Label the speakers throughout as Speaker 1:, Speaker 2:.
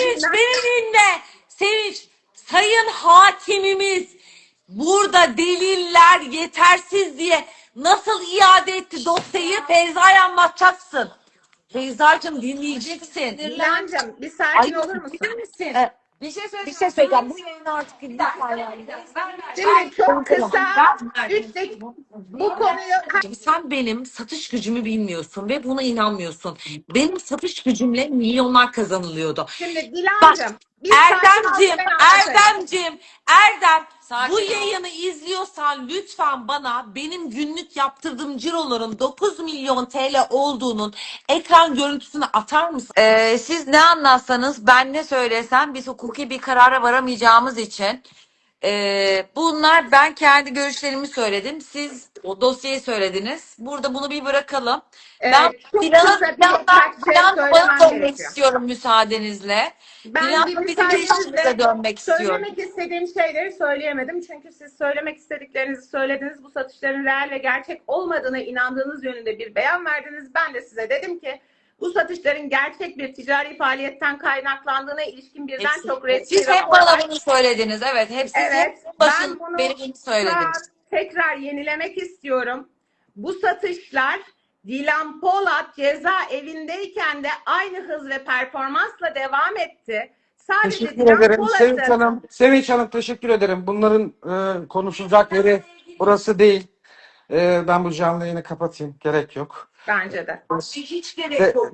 Speaker 1: Sevinç beni dinle. Sevinç, sayın hakimimiz burada deliller yetersiz diye nasıl iade etti dosyayı Feyza'ya anlatacaksın. Feyza'cığım dinleyeceksin.
Speaker 2: Dilancığım bir sakin olur musun?
Speaker 1: Bilir misin?
Speaker 3: Bir şey
Speaker 1: Bir şey söyleyeceğim. Bu yayını artık lütfen yani.
Speaker 2: Şimdi çok kısa 3 dakika bu konuyu
Speaker 1: Sen benim satış gücümü bilmiyorsun ve buna inanmıyorsun. Benim satış gücümle milyonlar kazanılıyordu.
Speaker 2: şimdi Dilancığım bir
Speaker 1: Erdemcim,
Speaker 2: sakin ol, ben anlatayım.
Speaker 1: Erdem,
Speaker 3: Sakin
Speaker 1: bu
Speaker 3: ol.
Speaker 1: yayını izliyorsan lütfen bana benim günlük yaptırdığım ciroların 9 milyon TL olduğunun ekran görüntüsünü atar mısın?
Speaker 3: Siz ne anlatsanız ben ne söylesem biz hukuki bir karara varamayacağımız için bunlar ben kendi görüşlerimi söyledim. Siz o dosyayı söylediniz. Burada bunu bir bırakalım. Ben
Speaker 2: Çok
Speaker 3: Dilan'a
Speaker 2: kısa birkaç şey söylemem
Speaker 3: dönmek
Speaker 2: gerekiyor.
Speaker 3: istiyorum müsaadenizle.
Speaker 2: Ben bir
Speaker 3: Dilan'la bizim ilişkimize
Speaker 2: müsaadenizle
Speaker 3: dönmek istiyorum.
Speaker 2: söylemek istediğim şeyleri söyleyemedim. Çünkü siz söylemek istediklerinizi söylediniz. Bu satışların reel ve gerçek olmadığına inandığınız yönünde bir beyan verdiniz. Ben de size dedim ki bu satışların gerçek bir ticari faaliyetten kaynaklandığına ilişkin birden çok resmi
Speaker 3: Siz hep
Speaker 2: raporlar.
Speaker 3: bana bunu söylediniz. Evet, hep siz
Speaker 2: Evet,
Speaker 3: hep başın
Speaker 2: ben bunu
Speaker 3: beni bunu
Speaker 2: şu an
Speaker 3: söylediniz.
Speaker 2: tekrar yenilemek istiyorum. Bu satışlar Dilan Polat cezaevindeyken de aynı hız ve performansla devam etti. Sadece
Speaker 4: Teşekkür
Speaker 2: Dilan
Speaker 4: ederim Sevinç
Speaker 2: Polat'ın
Speaker 4: Hanım. Sevinç Hanım teşekkür ederim. Bunların konuşulacak yeri burası değil. Ben bu canlı yayını kapatayım. Gerek yok.
Speaker 2: bence de.
Speaker 1: Hiç gerek yok.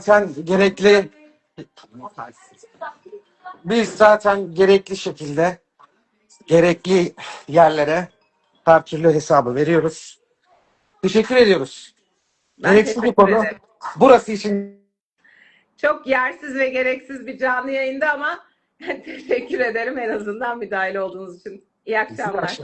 Speaker 4: Biz zaten gerekli şekilde gerekli yerlere her türlü hesabı veriyoruz. Teşekkür ediyoruz.
Speaker 2: Ben
Speaker 4: Gereksiz bir
Speaker 2: teşekkür
Speaker 4: konu.
Speaker 2: ederim.
Speaker 4: Burası için
Speaker 2: Çok yersiz ve gereksiz bir canlı yayında ama teşekkür ederim en azından müdahale olduğunuz için. İyi akşamlar.